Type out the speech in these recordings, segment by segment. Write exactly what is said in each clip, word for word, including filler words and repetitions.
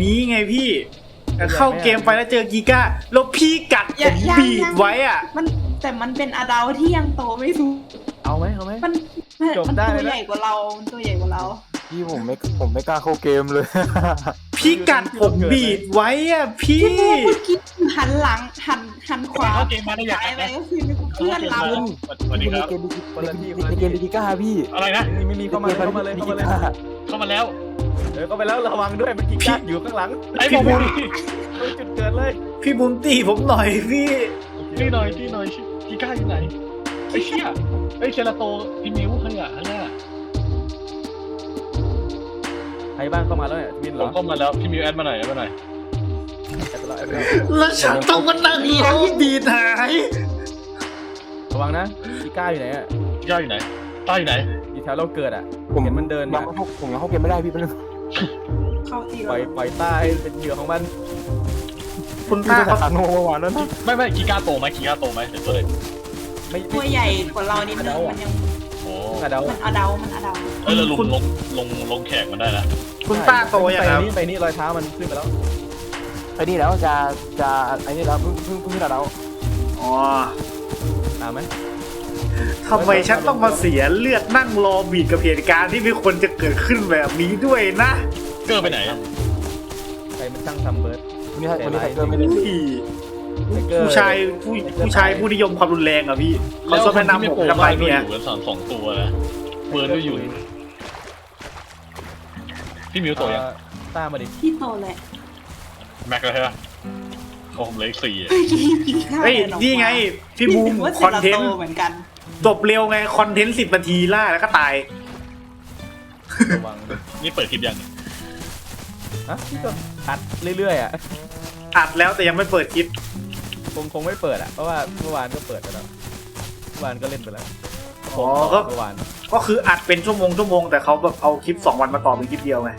นี้ไงพี่เข้าเกมไปแล้วเจอกีก้าแล้วพี่กัดผมบีบไว้อ่ะมันแต่มันเป็นอดาวที่ยังโตไม่สูงเอาไหมเอาไหมมันจบมันได้ตัวเลยนะใหญ่กว่าเรามันตัวใหญ่กว่าเราพี่ผมไม่ผมไม่กล้าเข้าเกมเลยพี่กัดผมบีบไว้อ่ะพี่พี่บูเมื่อกี้หันหลังหันหันขวาเข้าเกมมาได้อย่างซ้ายไรไปก็คือเพื่อนเราสวัสดีครับในเกมคนละที่คนในละเกที่มดิจิก้าพี่อะไรนะนี่ไม่มีเข้ามาเลยเข้ามาเลยเข้ามาเลยเข้ามาแล้วเออเข้าไปแล้วระวังด้วยมันกินกัดอยู่ข้างหลังไอ้ผมตรงจุดเกิดเลยพี่บุญตีผมหน่อยพี่ที่หน่อยที่หน่อยกีก้าอยู่ไหนไอ้เชี่ยไอ้เชลาโตพี่มิวใครอ่ะอันน่ะใครบ้างเข้ามาแล้วเนี่ยวินเหผรมอเข้ามาแล้วพี่มิวแอดมาหน่อยแอดมาหน่อยแอดไปแล้วแอดไปแล้วแล้วฉันต้องมานั่งรอบีดหายระวังนะกีก้าอยู่ไหนอ่ะกีก้าอยู่ไหนต้าอยู่ไหนอยู่แถวเราเกิดอ่ะผมเห็นมันเดินยัมางไม่เข้าผมยังเข้าเกมไม่ได้พี่เป็นเข้าตีปล่เราอยปล่อยใต้เป็นเหยื่อของมันคุณพี่ป้าจะเขาขาโนเมื่อวานนั้นไม่ไม่กีก้าโตไหมกีก้าโตไหมเดี๋ยวเลยไม่ตัวใหญ่กว่าเรานิดนึงมันยังโอ้กระเดามันอดาวมันอดาวเออเราลงลงลงลงแขกมันได้นะคุณป้าโตยังไปครับนี่ไปนี่รอยเท้ามันขึ้นไปแล้วไอ้นี่แล้วจะจะไอ้นี่แล้วเพิ่งเพิ่งเพิ่งเราอ๋อตามไหมทำไมฉันต้องมาเสียเลือดนั่งรอบีดกับเหตุการณ์ที่ไม่ควรจะเกิดขึ้นแบบนี้ด้วยนะเกอร์ไปไหนใครมันช่างทำเบิร์ดวันนี้วันนี้ไทเกอร์ไม่ได้อุ้ยผู้ชายผู้ผู้ชายผู้นิยมความรุนแรงอ่ะพี่เขาชอบแนะนำผมทำไมเนี่ยอยู่กันสองสองตัวนะเบิร์ดก็อยู่พี่มิวโตยังตามมาดิพี่โตเลยแม็กเลยใช่ปะโอ้ผมเลยสี่เมื่อกี้กี่ข้าวเฮ้ยดิออกมานี่ไงพี่บูมว่าคอนเทนต์ซราโตเหมือนกันจบเร็วไงคอนเทนต์สิบนาทีล่าแล้วก็ตายระวังนี่เปิดคลิปยังอ่ะพี่ก็อัดเรื่อยๆอ่ะอัดแล้วแต่ยังไม่เปิดคลิปคงคงไม่เปิดอ่ะเพราะว่าเมื่อวานก็เปิดไปแล้วเมื่อวานก็เล่นไปแล้วอ๋อก็เมื่อวานก็คืออัดเป็นชั่วโมงชั่วโมงแต่เขาแบบเอาคลิปสองวันมาต่อเป็นคลิปเดียวไง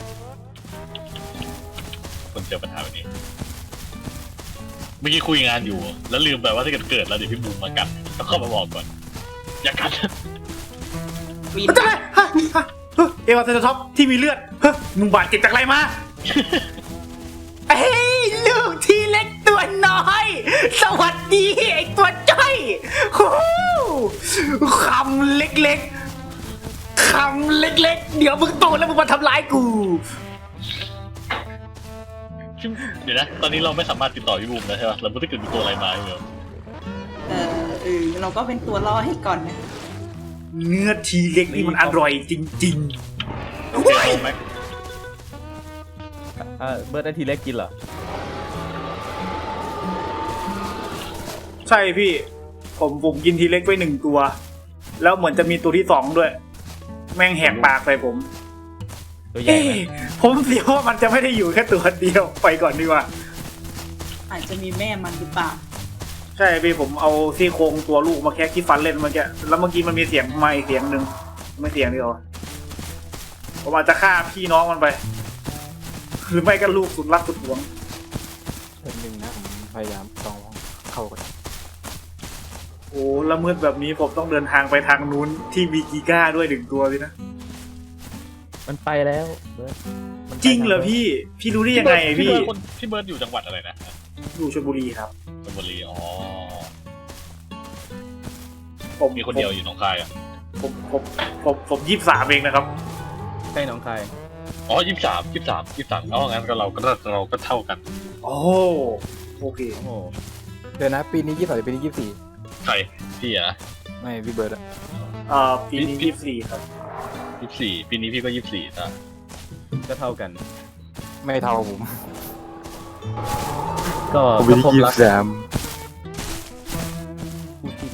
คนเจอปัญหาแบบนี้เมื่อกี้คุยงานอยู่ แล้วลืมไปว่าถ้าเกิดเกิดแล้วเดี๋ยวพี่บูมมากัดต้องเข้ามาบอกก่อนอย่ากัดวินมันจะไรฮะฮะเฮ้ยเอวาเซนท็อปที่มีเลือดเฮ้ยมึงบาดเจ็บจากอะไรมาเอ้ยลูกที่เล็กตัวน้อย สวัสดีไอ้ตัวจ้อยฮู้คำเล็กๆคำเล็กๆ เดี๋ยวมึงโตแล้วมึงมาทำร้ายกูเดี๋ยวนะตอนนี้เราไม่สามารถติดต่อพี่บูมแล้วใช่ปะเราไม่ได้เกิดมีตัวอะไรมาอยู่เออเออเราก็เป็นตัวล่อให้ก่อนนะเนื้อทีเล็กนี่มันอร่อยจริงเจอโตไหมอ่าเบิร์ดได้ทีเล็กกินเหรอๆ ใช่พี่ ผมผมกินทีเล็กไปหนึ่งตัว แล้วเหมือนจะมีตัวที่สองด้วย แม่งแหกปากใส่ผมตัวใหญ่เอ๊ไหมะผมเสียว่ามันจะไม่ได้อยู่แค่ตัวเดียวไปก่อนดีกว่าอาจจะมีแม่มันหรือเปล่าใช่พี่ผมเอาซี่โครงตัวลูกมาแค่ที่ฟันเล่นเมื่อกี้แล้วเมื่อกี้มันมีเสียงไม่เสียงหนึ่งไม่เสียงเดียวผมอาจจะฆ่าพี่น้องมันไป หรือไม่ก็ลูกสุดรักสุดหวงเป็นหนึ่งนะผมพยายามต้องเข้ากันโอ้ละมืดแบบนี้ผมต้องเดินทางไปทางนู้นที่มีกีก้าด้วยหนึ่งตัวสินะมันไปแล้วเบิร์ดมันไปจริงเหรอพี่ พี่รู้ได้ยังไงพี่พี่เบิร์ดคนพี่เบิร์ดอยู่จังหวัดอะไรนะอยู่ชลบุรีครับชลบุรีอ๋อผมมีคนเดียวอยู่หนองคายอ่ะผมผมผมผมยี่สิบสามเองนะครับใกล้หนองคายอ๋อยี่สิบสามยี่สิบสามยี่สิบสามอ๋องั้นก็เราก็เราก็เท่ากันโอ้โอเคโอ้โหเดี๋ยวนะปีนี้ยี่สิบสามปีนี้ยี่สิบสี่ใครพี่อ่ะไม่พี่เบิร์ดอะเอ่อปีนี้ยี่สิบสี่ครับยี่สิบสี่ปีนี้พี่ก็ยี่สิบสี่นะก็เท่ากันไม่เท่าผมก็ผมก็ปีนี้พบยี่รัสิกบสามคู่จิ้น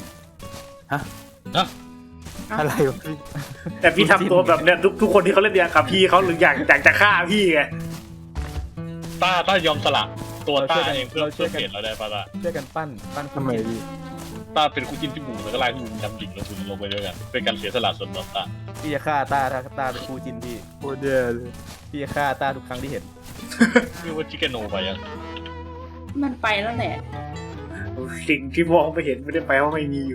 อะไรวะพี่แต่พี่ทำตัวแบบเนี้ยทุกทุกคนที่เขาเล่นเดียกับพี่เขาหรืออยากอยากจะฆ่าพี่ไงต้าต้ายอมสละตัวต้าเองเพื่อเพื่อเปลี่ยนเราได้ปะล่ะช่วยกันปั้นปั้นคู่ทำไมจิ้นพี่ต้าเป็นคู่จิ้นพี่บูมแล้วก็ไล่พี่บูมดำดิ่งลงทุนลงไปด้วยกันเป็นการเสียสละส่วนต่อต้าพี่จะฆ่าตาถ้าตาเป็นคู่จิ้นพี่โคตรแย่เลยพี่จะฆ่าตาทุกครั้งที่เห็นเรียกว่าชิคเกโนไปยังมันไปแล้วแหละสิ่งที่มองไปเห็นไม่ได้แปลว่าไม่มีอยู่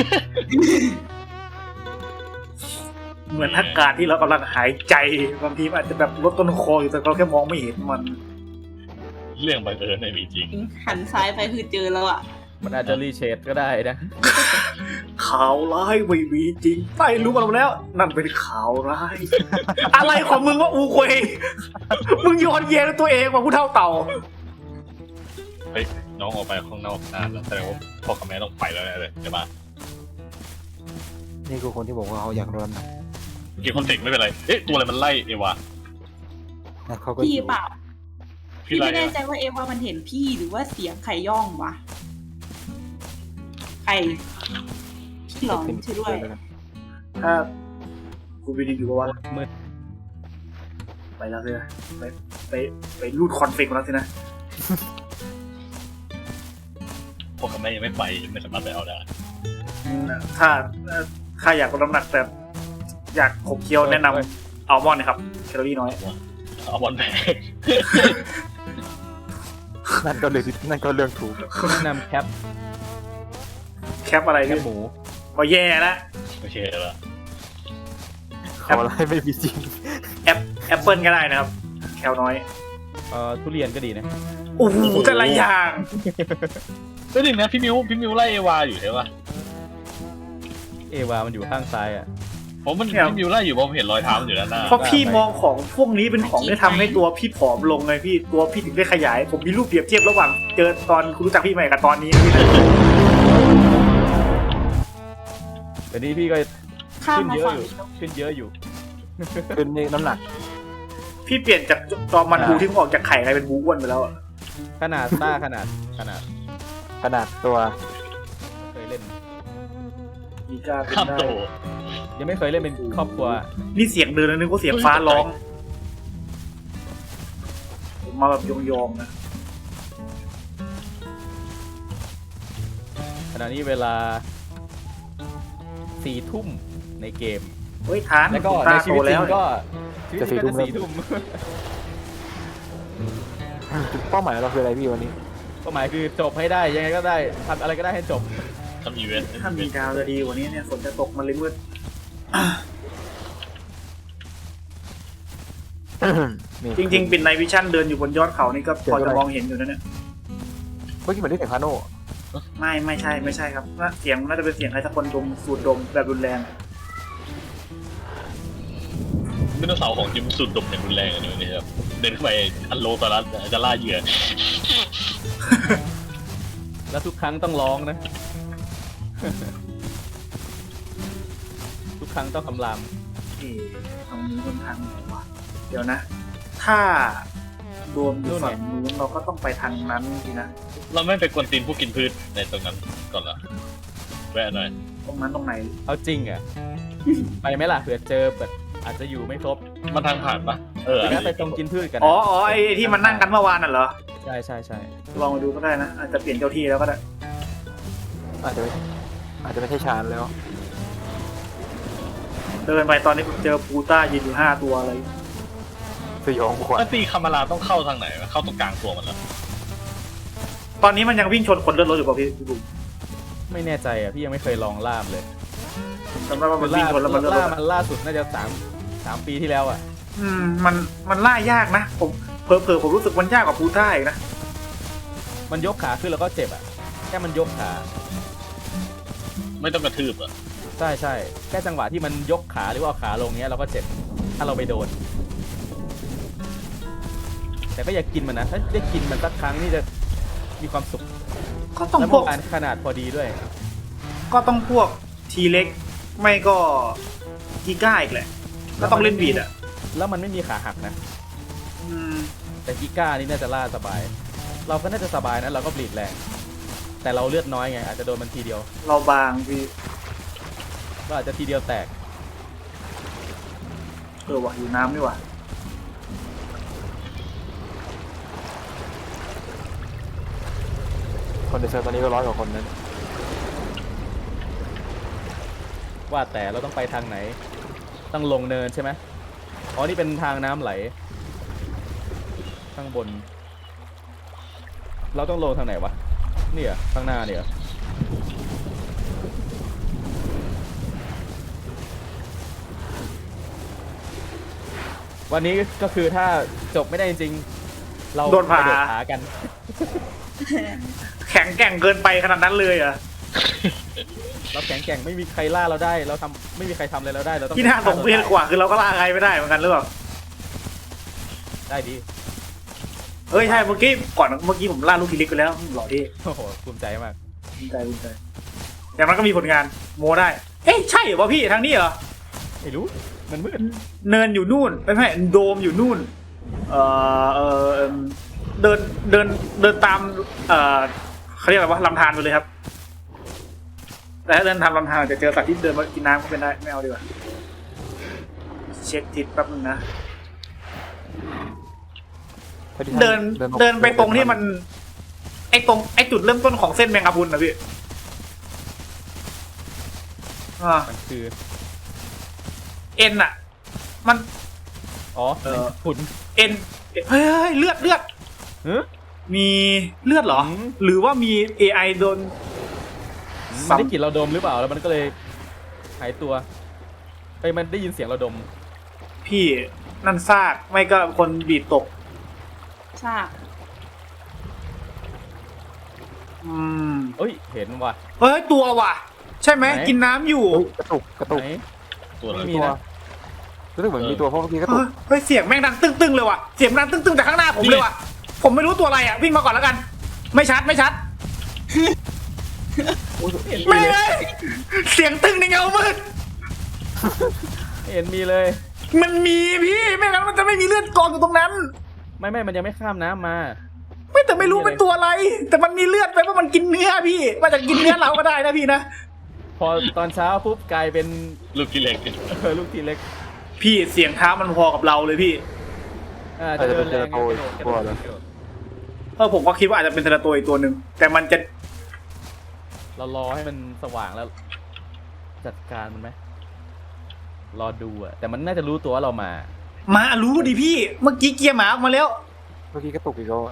เหมือนอากาศที่เรากำลังหายใจบางทีมันอาจจะแบบลดต้นคออยู่แต่เราแค่มองไม่เห็นมันเรื่องบังเอิญไม่มีจริงหันซ้ายไปคือเจอแล้วอ่ะมันอาจจะรีเชดก็ได้นะข่าวร้ายไม่มีจริงไปรู้มาแล้ว นั่นเป็นข่าวร้าย อะไรของมึงวะอูเควมึงโยนเย็นตัวเองว่าผู้เท่าเต่าเฮ้ยน้องออกไปข้างนอกนานแล้วแสดงว่าพ่อกับแม่ต้องไปแล้วแน่เลยใช่ปะนี่คือคนที่บอกว่าเขาอยากรอนนะเมื่อกี้คอนเฟกไม่เป็นไรเอ๊ะตัวอะไรมันไล่เอวาแล้วเขาก็พี่อยู่เปล่าพี่พี่ไล่ไม่แน่ใจอะว่าเอว่ามันเห็นพี่หรือว่าเสียงไข่ย่องวะไข่พี่หลอนช่วยด้วยถ้ากูไปดีอยู่ว่ามืดไปแล้วสินะไปไปไปรูดคอนเฟกต์มาแล้วสินะพ่อกับแม่ยังไม่ไปไม่สามารถไปเอาได้ถ้าถ้าอยากลดน้ำหนักแต่อยากขบเคี้ยวแนะนำอัลมอนด์นะครับแคลอรี่น้อยเอาบอลแบกนั่นก็เลยนั่นก็เรื่องถูกแนะนำแคปแคปอะไรแคพี่ปหมูก็แย่แล้วไม่ใช่แล้วเขาอะไรไม่มีจริงแอปแอปเปิลก็ได้นะครับ แคลน้อยเอ่อทุเรียนก็ดีนะโอ้โหแต่ละอย่างก็หนึ่งนะพี่มิวพี่มิวไล่เอวาอยู่ใช่ปะเอวามันอยู่ข้างซ้ายอ่ะผมมันพี่มิวไล่อยู่ผมเห็นรอยเท้ามันอยู่ด้านหน้าเพราะพี่มองของพวกนี้เป็นของที่ทำให้ตัวพี่ผอมลงไงพี่ตัวพี่ถึงได้ขยาย ผมมีรูปเปรียบเทียบระหว่างเจอตอนคุณรู้จักพี่ใหม่กับตอนนี้พี่นะแต่นี้พี่ก็ข้ามขึ้นมาเยอะฝั่งอยู่นี้แล้วขึ้นเยอะอยู่เป็นนี่น้ำหนักพี่เปลี่ยนจากตอนมันบูที่ผมออกจากไข่กลายเป็นบูอ้วนไปแล้วอะขนาดต้าขนาดขนาดขนาดตัวเคยเล่นมีกล้าเป็นข้ามได้โตยังไม่เคยเล่นเป็นครอบครัวนี่เสียงเดินแล้วนึกว่าเสียงฟ้าร้องผมมาแบบยองๆนะขณะนี้เวลาสี่ทุ่มในเกมเฮ้ยทานแล้วก็คุณในตาชีโตวิตจริแล้วงก็ชีวิตจริงก็จะสี่ทุ่มจุดเป้าหมายเราคืออะไรพี่วันนี้ก็หมายคือจบให้ได้ยังไงก็ได้ทำอะไรก็ได้ให้จบทำอีเวนต์ถ้ามีดาวจะดีกว่านี้เนี่ยฝนจะตกมันเลยมืดนี่จริงๆปิดไนวิชั่นเดินอยู่บนยอดเขานี่ก็พอจะมองเห็นอยู่นะเนี่ยเมื่อกี้เหมือนได้เสียงคาโน่ไม่ไม่ใช่ไม่ใช่ครับว่าเสียงน่าจะเป็นเสียงใครสักคนดมสูดดมแบบรุนแรงมิโนเสาร์ของจิมสุดดมอย่างรุนแรงอันนี้ครับเดินเข้าไปอันโลตอรัสจะล่าเหยื่อแล้วทุกครั้งต้องร้องนะ ทุกครั้งต้องคำรามเอ๊ะตรงนี้บนทางไหนวะเดี๋ยวนะ ถ้ารวมอยู่ฝั่งนู้นเราก็ต้องไปทางนั้นสินะเราไม่ไปกวนตีนผู้กินพืชในตรงนั้นก่อนละแวะหน่อยตรงนั้นตรงไหนเอาจริงอ่ะ ไปไหมล่ะเผื่อเจอแบบอาจจะอยู่ไม่ครบมันทางผ่านปะเออไปงั้นไปตรงกินพืชกันอ๋อนะอ๋อไอ้ไอ้ที่มันนั่งกันเมื่อวานน่ะเหรอใช่ใช่ใช่ลองมาดูก็ได้นะอาจจะเปลี่ยนเจ้าที่แล้วก็ได้อาจจะไม่อาจจะไม่ใช่ชานแล้วเดินไปตอนนี้ผมเจอปูต้ายืนอยู่ห้าตัวอะไรสยองขวัญถ้าตีคามาราต้องเข้าทางไหนวะเข้าตรงกลางตัวมันเหรอตอนนี้มันยังวิ่งชนคนเลือดรถอยู่เปล่าพี่พี่บุ๋มไม่แน่ใจอ่ะพี่ยังไม่เคยลองล่ามเลยผมจำได้ว่ามันล่าวิ่งชนแล้วมันเลือดรล่าถมัอะนล่าสุดน่าจะสามสามปีที่แล้วอ่ะอืมมันมันล่ายากนะผมเผลอๆผมรู้สึกมันยากกว่าปูต้าอีกนะมันยกขาขึ้นแล้วก็เจ็บอ่ะแค่มันยกขาไม่ต้องกระทืบอ่ะใช่ใช่แค่จังหวะที่มันยกขาหรือว่าเอาขาลงเนี้ยเราก็เจ็บถ้าเราไปโดน แต่ก็อย่ากินมันนะถ้าได้กินมันสักครั้งนี่จะมีความสุขก็ต้องแล้วพเมื่วกอวานขนาดพอดีด้วยก็ต้องพวกทีเล็กไม่ก็กีก้าอีกแหละ ก็ต้องเล่นบีดอ่ะแล้วมันไม่มีขาหักนะอืมแต่กิก้านี่น่าจะล่าสบาย เราก็น่าจะสบายนะเราก็บลีดแรง แต่เราเลือดน้อยไงอาจจะโดนมันทีเดียวเราบางพี่เราอาจจะทีเดียวแตกเออว่ะอยู่น้ำนี่ว่ะคนในเซิร์ฟตอนนี้ก็ร้อยกว่าคนนั้นว่าแต่เราต้องไปทางไหน ต้องลงเนินใช่ไหมอ๋อนี่เป็นทางน้ำไหล ข้างบน เราต้องลงทางไหนวะเนี่ยข้างหน้าเนี่ย วันนี้ก็คือถ้าจบไม่ได้จริงๆเราโดนผ่ากระโดดขากันแข็งแกร่งเกินไปขนาดนั้นเลยเหรอ่ะเราแข็งแกร่งไม่มีใครล่าเราได้ เราทำไม่มีใครทำอะไรเราได้เราต้องที่น่าสงเวียนกว่าคือเราก็ล่าใครไม่ได้เหมือนกันหรือเปล่าได้ดีเฮ้ยใช่เมื่อกี้ก่อนเมื่อกี้ผมล่าลูกทีเล็กไปแล้วหล่อที่โอ้โหภูมิใจมากภูมิใจภูมิใจอย่างนั้นก็มีผลงานโมได้เอ๊ะใช่เหรอวะพี่ทางนี้เหรอไม่รู้มันมืดเนินอยู่นู่นไม่ใช่โดมอยู่นู่นเออเออเดินเดินเดินตามเออเขาเรียกอะไรวะลำธารไปเลยครับแต่ถ้าเดินทางลำธารอาจจะเจอสัตว์ที่เดินมากินน้ำก็เป็นได้ไม่เอาดีกว่าเช็คทิศแป๊บนึงนะ เดินเดินไปตรงที่มัน ไอตรงไอจุดเริ่มต้นของเส้นแมงกะพรุนนะพี่อ่ามันคือเอ็นอะมันอ๋อเออฝุ่นเอ็นเฮ้ยเฮ้ยเลือดเลือดเฮ้ยมีเลือดเหรออืมหรือว่ามี เอ ไอ โดนมันได้กลิ่นเราดมหรือเปล่าแล้วมันก็เลยหายตัวไปมันได้ยินเสียงเราดมพี่นั่นซากไม่ก็คนบีดตกทราบอืมเอ้ยเห็นว่ะเฮ้ยตัวว่ะ ใช่ไหมไหนกินน้ำอยู่เฮ้ยกระตุกกระตุกไหนตัวอะไรไม่มีตัวนะรู้สึกเหมือนมีตัวเพราะเมื่อกี้กระเฮ้ตุยกเฮ้ยเสียงแม่งดังตึ้งๆเลยว่ะเสียงดังตึ้งๆจากข้างหน้าผมเลยว่ะผมไม่รู้ตัวอะไรอ่ะวิ่งมาก่อนแล้วกัน ไม่ชัดไม่ชัด ไม่เลยเสียงตึ้งในเงามืดไม่เห็นมีเลยมันมีพี่ไม่งั้นมันจะไม่มีเลือดกองอยู่ตรงนั้นไม่ไม่มันยังไม่ข้ามน้ำมาไม่แต่ไม่รู้เป็นตัวอะไร แต่มันมีเลือดไปเพราะมันกินเนื้อพี่มันจะกินเนื้อเราก็ได้นะพี่นะพอตอนเช้าปุ๊บกลายเป็นลูกที่เล็กเออลูกทีเล็กพี่เสียงเท้ามันพอกับเราเลยพี่อ่าอาจจะเป็นแรเจอง โตอีกกระตัโดวดเลยกระโดดเออผมก็คิดว่าอาจจะเป็นเทเลตัวอีกตัวหนึ่งแต่มันจะเรารอให้มันสว่างแล้ว จัดการมันไหมรอดูอะแต่มันน่าจะรู้ตัวว่าเรามามารู้ดิพี่ เมื่อกี้เกียร์หมาออกมาแล้วเมื่อกี้กระตุกอีกแล้วอะ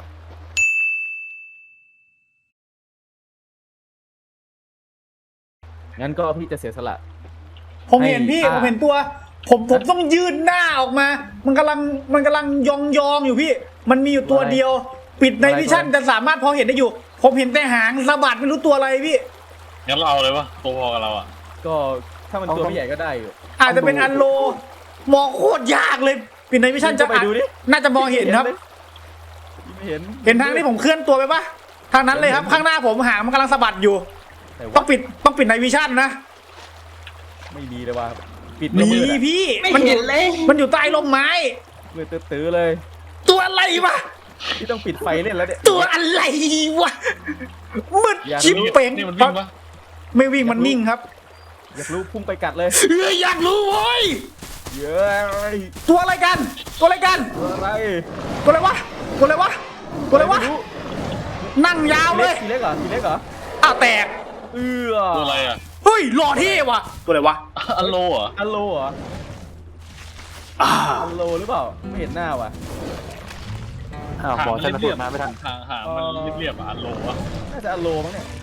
งั้นก็พี่จะเสียสละผมเห็นให้พี่อ่าผมเห็นตัว ผมผมต้องยืนหน้าออกมา มันกำลังมันกำลังยองยองๆอยู่พี่ มันมีอยู่ตัวเดียว ปิดในวิชั่นจะสามารถพอเห็นได้อยู่ ผมเห็นแต่หางสะบัดไม่รู้ตัวอะไรพี่งั้นเราเอาเลยวะตัวพอกับเราอ่ะก็ถ้ามันตัวพี่ใหญ่ก็ได้อยู่อาจจะเป็นอันโล มองโคตรยากเลย ปิดในวิชั่นจะไปดูดิน่าจะมองเห็นครับไม่เห็นเห็นทางที่ผมเคลื่อนตัวไปปะทางนั้นเลยครับ ข้างหน้าผมหางมันกำลังสะบัดอยู่แต่ต้อว่างปิดต้องปิดในวิชั่นนะไม่มีเลยว่าปิดมีมืดอะพี่ไม่มันอเห็ยู่นเลยมันอยู่ใต้ร่มไม้มืดตื้อๆเลยตัวอะไรวะพี่ต้องปิดไฟเล่นแล้วเนี่ยตัวอะไรวะมืดอยากรู้ชิบเป่งนี่มันวิ่งปะไม่วิ่งมันนิ่งครับอยากรู้พุ่งไปกัดเลยเอ้ยอยากรู้เว้ยเย้ยตัวอะไรกัน ตัวอะไรกันตัวอะไรตัวอะไรวะตัวอะไรวะตัวอะไรวะม่รู้นั่งยาวเลยทีเล็กเหรอทีเล็กเหรออ้าวแตกเอื้อตัวอะไรอ่ะเฮ้ยหล่อเท่ว่ะตัวอะไรวะอัลโลเหรออัลโลเหรออ่าอัลโลหรือเปล่าไม่เห็นหน้าว่ะอ้าวหางบอมักนฉันเรียบมาไม่ทันๆหางหางมันเรียบๆอ่ะอัลโลวะน่าจะอัลโลมั้งเนี่ย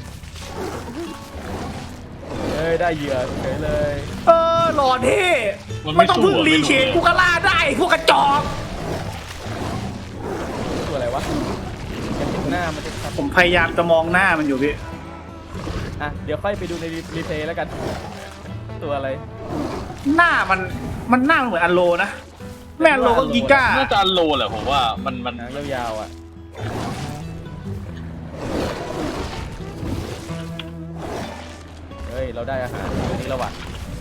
เอ้ยได้เหยื่อเฉยเลยเออหล่อเท่มันไม่ไม่ต้องสู้พึ่งอะรีไม่เชรู้นเลยกูก็ล่าได้พวกกระจอกตัวอะไรวะอยากเห็นหน้ามันจะชัดผมพยายามจะมองหน้ามันอยู่พี่อ่ะเดี๋ยวค่อยไปดูในรีเพลย์แล้วกัน ตัวอะไรหน้ามันมันหน้ามันเหมือนอันโลนะแม่อันโลก็กิก้าน่าจะอัลโลแหละผมว่ามันมันหางยาวๆอ่ะเฮ้ยเราได้อาหารตัวนี้แล้วว่ะ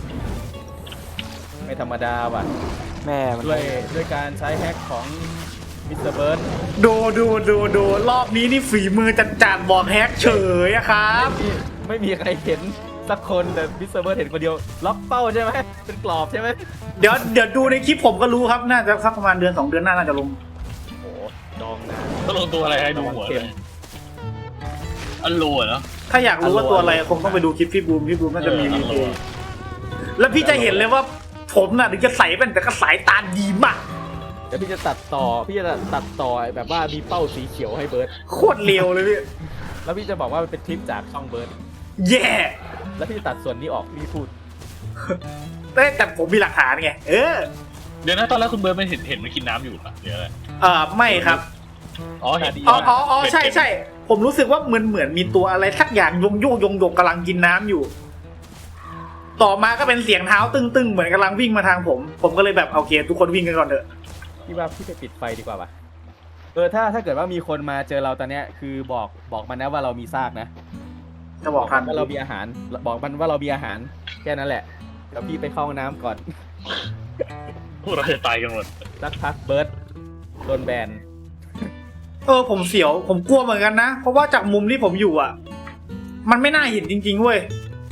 ไม่ธรรมดาว่ะแม่มันด้วยด้วยการใช้แฮกของมิสเตอร์เบิร์ดดูดูดูดูรอบนี้นี่ฝีมือจัดจานบอกแฮกเฉยอะครับที่ไม่มีใครเห็นสักคนแต่มิสเตอร์เบิร์ดเห็นคนเดียวล็อกเป้าใช่ไหมเป็นกรอบใช่ไหมเดี๋ยวเดี๋ยวดูในคลิปผมก็รู้ครับน่าจะสักประมาณเดือนสองเดือนหน้าน่าจะลงโอ้โหดองนานต้องลงตัวอะไรให้ดูหัวเลยอัลโลอะเนาะถ้าอยากรู้ว่าตัวอะไรคงต้องไปดูคลิปพี่บูมพี่บูมน่าจะมีเออรีอัลเพโลลย์แล้วพี่จะเห็นเลยว่าผมน่ะถึงจะใส่เป็นแต่ก็สายตาดีมากเดี๋ยวพี่จะตัดต่อพี่จะตัดต่อแบบว่ามีเป้าสีเขียวให้เบิร์ดโคตรเร็วเลยพี่แล้วพี่จะบอกว่ามันเป็นคลิปจากช่องเบิร์ดแย่แล้วพี่จะตัดส่วนนี้ออกพี่พูดแต่แต่ผมมีหลักฐานไงเออเดี๋ยวนะตอนแรกคุณเบิร์ดไม่เห็นเห็นมันกินน้ำอยู่ปะเดี๋ยวอะไรเออไม่ครับอ๋อเห็นอ๋ออ๋ออ๋อใช่ใช่ผมรู้สึกว่าเหมือนเหมือนมีตัวอะไรสักอย่างยงโยกยงโยกกำลังกินน้ำอยู่ ต่อมาก็เป็นเสียงเท้าตึงๆเหมือนกำลังวิ่งมาทางผม ผมก็เลยแบบโอเคทุกคนวิ่งกันก่อนเถอะพี่ว่าพี่ไปปิดไฟดีกว่าปะเออถ้าถ้าเกิดว่ามีคนมาเจอเราตอนเนี้ยคือบอกบอกมันนะว่าเรามีซากนะจะบอกทันว่าเรามีอาหาร บอกมันว่าเรามีอาหารแค่นั้นแหละเดี๋ยวพี่ไปเข้าห้องน้ำก่อนพวกเราจะตายกันหมดสักพักเบิร์ดโดนแบนเออผมเสียวผมกลัวเหมือนกันนะเพราะว่าจากมุมที่ผมอยู่อ่ะ มันไม่น่าเห็นจริงๆเว้ย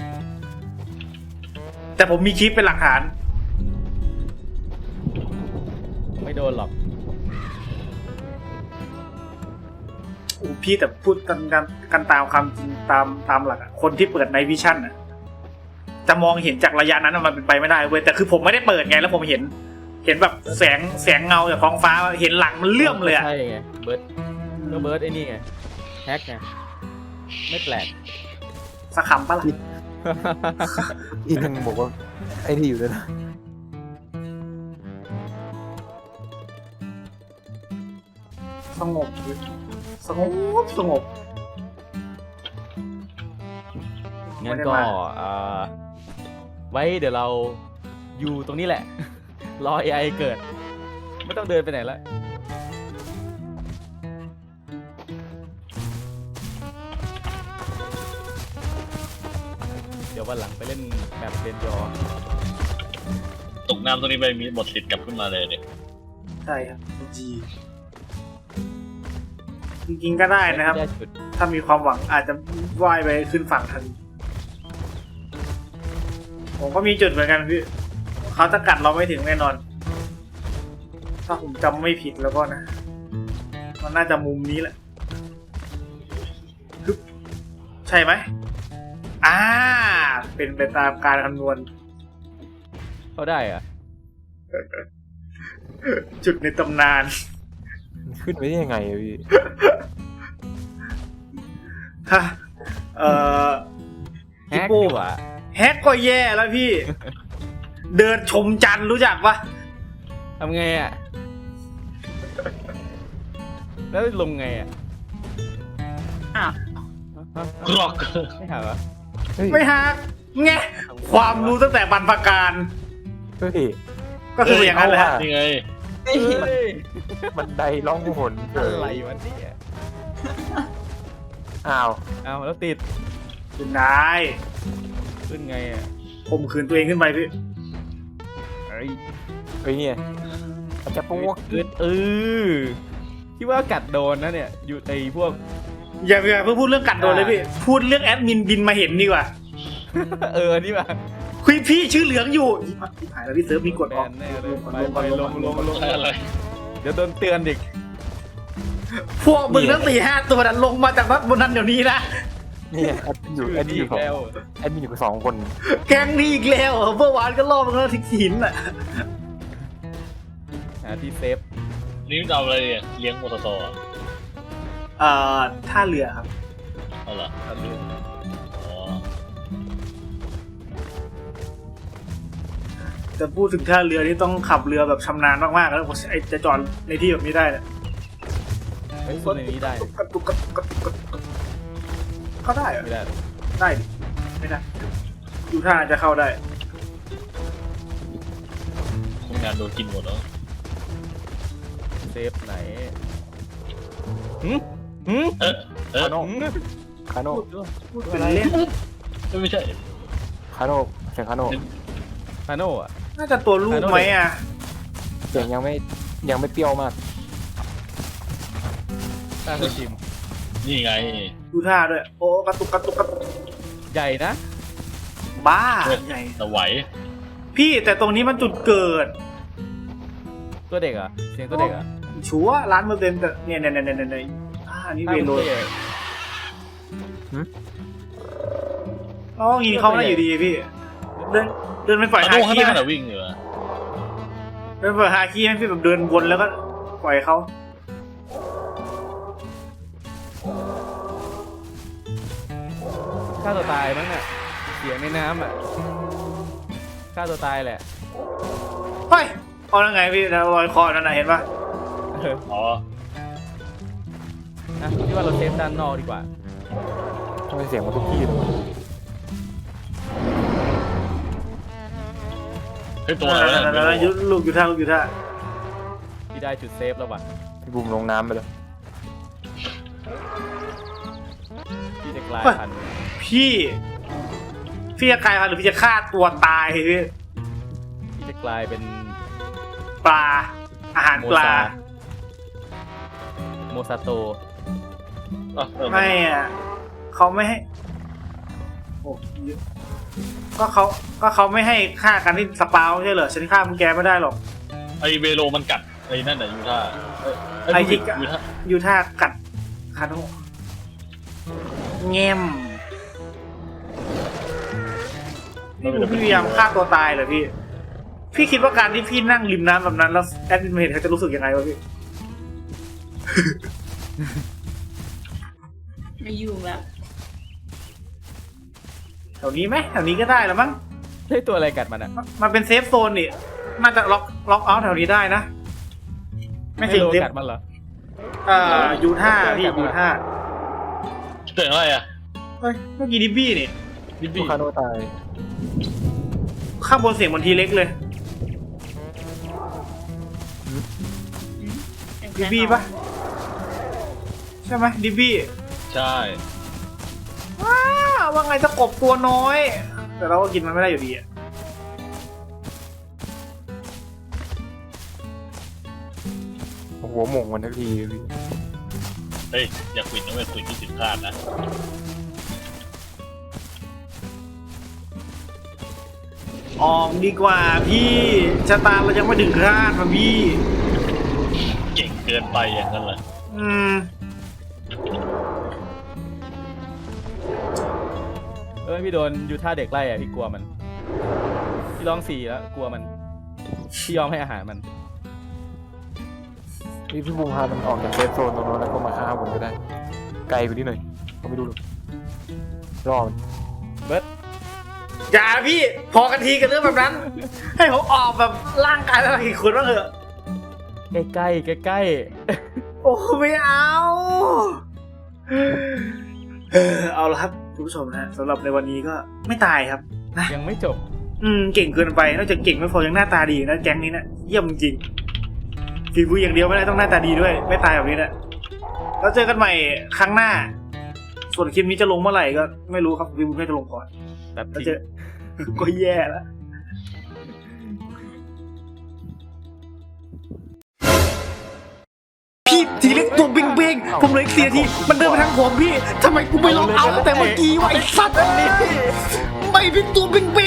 แต่ผมมีคลิปเป็นหลักฐานไม่โดนหรอกโอ้พี่แต่พูดกันกันกันตามคำจริงตามตามหลักอะคนที่เปิดในวิชั่นอะจะมองเห็นจากระยะนั้นอะมันเป็นไปไม่ได้เว้ยแต่คือผมไม่ได้เปิดไงแล้วผมเห็น เห็นแบบแสงแสงเงาจากท้องฟ้าเห็นหลังมันเลื่อมเลยอะใช่ไงเบิร์ดก็เบิร์ดไอ้นี่ไงแฮกไงไม่แปลกสักคำปะล่ะอีกยังบอกว่าไอ้ที่อยู่ด้วยนะสงบเลยสงบสงบงั้นก็ไม่ได้มาเอ่อไว้เดี๋ยวเราอยู่ตรงนี้แหละ รอ เอ ไอ เกิด ไม่ต้องเดินไปไหนแล้วเดี๋ยววันหลังไปเล่นแบบเดนยอตกน้ำตรงนี้ไปมีหมดสิทธิ์กลับขึ้นมาเลยเนี่ยใช่ครับจีจริงๆก็ได้นะครับได้จุดถ้ามีความหวังอาจจะว่ายไปขึ้นฝั่งทันผมก็มีจุดเหมือนกันพี่เขาจะกัดเราไม่ถึงแน่นอน ถ้าผมจำไม่ผิดแล้วก็นะมันน่าจะมุมนี้แหละฮึบใช่ไหมอ่าเป็นไปตามการคำนวณเขาได้เหรอะจุดในตำนานขึ้นไปได้ยังไงอะพี่ถ้าเอ่อแฮพี่กโป้ดีกว่าแฮกก็แย่แล้วพี่ เดินชมจันทร์รู้จักปะทำไงอ่ะ แล้วลงไงอ่ะอ้าวกรอกไม่หาเหรอเฮ้ยไม่ฮักไงความรู้ตั้งแต่บรรพการเฮ้ยก็คืออย่างนั้นแหละฮะนี่ไงเอ้ยเฮ้ยบันไดล่องหนเฉอะไรยวะเนี่ยอ้าวเอาแล้วติดคุณนายขึ้นไงอ่ะผมขืนตัวเองขึ้นไปพี่เอ้ยเฮ้ยเนี่ยมันจะปุ๊กเกิดเออคิดว่ากัดโดนนะเนี่ย อยู่ในพวกอย่าอย่าเพิ่งพูดเรื่องกัดโดนเลยพี่ พูดเรื่องแอดมินบินมาเห็นดีกว่าเออ นี่ป่ะคุยพี่ชื่อเหลืองอยู่อีพักที่หายแล้วพี่เซิร์ฟมีกดแบออกนแน่เลยไปไปลงลงลงใช่อะไรเดี๋ยวโดนเตือนอีกพวกมึงทั้งสี่ห้าตัวนั้นลงมาจากรถบนนั้นเดี๋ยวนี้นะเนี่ยแอดมินอยู่ชื่อแอดมินนี่อยู่สองแล้วแอดมินอยู่กับสองคนแก๊งนี้อีกแล้วเหรอเมื่อวานก็ล่อมันแล้วทิ้งหินอ่ะหาที่เซฟนี่จะเอาอะไรเนี่ยเลี้ยงมอเตอร์ไซค์เอ่อท่าเรือครับเอาเหรอเอาเรืออ๋อจะพูดถึงท่าเรือนี่ต้องขับเรือแบบชำนาญมากๆแล้วไอ้จะจอดในที่แบบนี้ได้เนี่ยเฮ้ยสู้ในนี้ได้กระตุกกระตุกกระตุกกระตุกเข้าได้เหรอไม่ได้หรอกได้ดิไม่ได้ดูท่าจะเข้าได้คนงานโดนกินหมดแล้วเซฟไหนหืมหืมเออเออคาโน่หืมคาโน่พูดเป็นเล่นไม่ใช่คาโน่เสียงคาโน่ฮาโน่อะน่าจะตัวลูกไหมอ่ะเสียงยังไม่ยังไม่เปรี้ยวมากตั้งชิมนี่ไงดูท่าด้วย โอ้กระตุกกระตุกกระตุกใหญ่นะบ้าใหญ่แต่ไหวพี่แต่ตรงนี้มันจุดเกิดตัวเด็กเหรอ่ะเสียงตัวเด็กเหรอ่ะชัวร์ล้านเปอร์เซ็นต์แต่เนี่ยเนี่ยเนี่ยเนี่ยเนี่ยอ่านี่เวโรนอ๋อยิงเขาไม่ได้อยู่ดีพี่ เดินเดินไปปล่อยอาฮาโน่ข้างคีหน้าไหมน่ะวิ่งอยู่อะเดินไปปล่อยฮาคีไหมพี่แบบเดินวนแล้วก็ปล่อยเขาฆ่าตัวตายมั้งอ่ะเสียงในน้ำอ่ะฆ่าตัวตายแหละเฮ้ยเอาแล้วไงพี่แล้วรอยคอนั่นน่ะเห็นปะเอออ๋อนะพี่ว่าเราเซฟด้านนอกดีกว่าทำไมเสียงมันทุกที่เลยวะเฮ้ยตัวอะไรวะนั่นเนี่ยๆๆยุลูกอยู่ท่าลูกอยู่ท่าพี่ได้จุดเซฟแล้วว่ะพี่บูมลงน้ำไปเลยพี่จะกลายพันธุ์พี่พี่จะกลายพันธุ์หรือพี่จะฆ่าตัวตายพี่พี่จะกลายเป็นปลาอาหารโมปลาซาโมซาโตอ่ะเออไม่อ่ะเขาไม่ให้โอ้เยอะก็เขาก็เขาไม่ให้ฆ่ากันที่สปาวไม่ใช่เหรอฉันฆ่ามึงแกไม่ได้หรอกไอเวโรมันกัดไอ้นั่นน่ะยูท่าเอ้ยไอ้ที่ยูท่ายูท่ากัดคาโนแง้มพี่บูพี่พยายามฆ่าตัวตายเหรอพี่ พี่คิดว่าการที่พี่นั่งริมน้ำแบบนั้นแล้วแอดมินเห็นเขาจะรู้สึกยังไงวะพี่ไม่อยู่แบบแถวนี้ไหมแถวนี้ก็ได้แล้วมั้งเฮ้ยตัวอะไรกัดมันอ่ะมันเป็นเซฟโซนนี่น่าจะล็อกล็อกเอาท์แถวนี้ได้นะ ไม่ไม่ถึงโลเซฟกัดมันเหรอเอ่อยูท่าพี่ยูท่าเสียงอะไรอ่ะเฮ้ยเมื่อกี้ดิบบี้นี่ดิบลูบี้กคาโนตายข้างบนเสียงเหมือนทีเล็กเลยดิบบี้ปะใช่ไหมดิบบี้ใช่ว้าว่าไงจะกบตัวน้อย แต่เราก็กินมันไม่ได้อยู่ดีอะหัวหม่งมันทักทีพี่เฮ้ยอย่าคุยนะเว้ยคุยที่ถึงคาดนะออกดีกว่าพี่ชะตาเรายังไม่ถึงคาดมาพี่เก่งเกินไปอย่างนั้นเหรออืมเออพี่โดนยูท่าเด็กไล่อ่ะพี่กลัวมัน พี่ร้องสี่แล้วกลัวมัน พี่ยอมให้อาหารมันพี่พี่บูมพามันออกจากเซฟโซนตรงนั้นแล้วก็มาฆ่าผมก็ได้ ไกลไปนิดหน่อยเขาไม่รู้หรอกรอมันเบิร์ดอย่าพี่พอกันทีกันเรื่องแบบนั้น ให้ผมออกแบบร่างกายอะไรอีกคนบ้างเถอะใกล้ใกล้ใกล้ใกล้โอ้ไม่เอาเออเอาละครับคุณผู้ชมนะฮะสำหรับในวันนี้ก็ไม่ตายครับนะๆยังไม่จบอืมเก่งเกินไปนอกจากเก่งไม่พอยังหน้าตาดีนะแก๊งนี้นะเยี่ยมจริงฝีมืออย่างเดียวไม่ได้ต้องหน้าตาดีด้วย ไม่ตายแบบนี้นะแล้วเจอกันใหม่ครั้งหน้า ส่วนคลิปนี้จะลงเมื่อไหร่ก็ไม่รู้ครับวิวไม่จะลงก่อนแบบแล้วจริเจงอ ก็แย่แล้วพี่ทีเล็กตัวเบ้งเบ้งๆผมเหลยเสียทีมันเดินมาทางผมพี่ทำไมกูไม่ลองเอาตั้งแต่เมื่อกี้วะไอ้สัตว์ไม่เป็นตัวเบ้งเบ้ง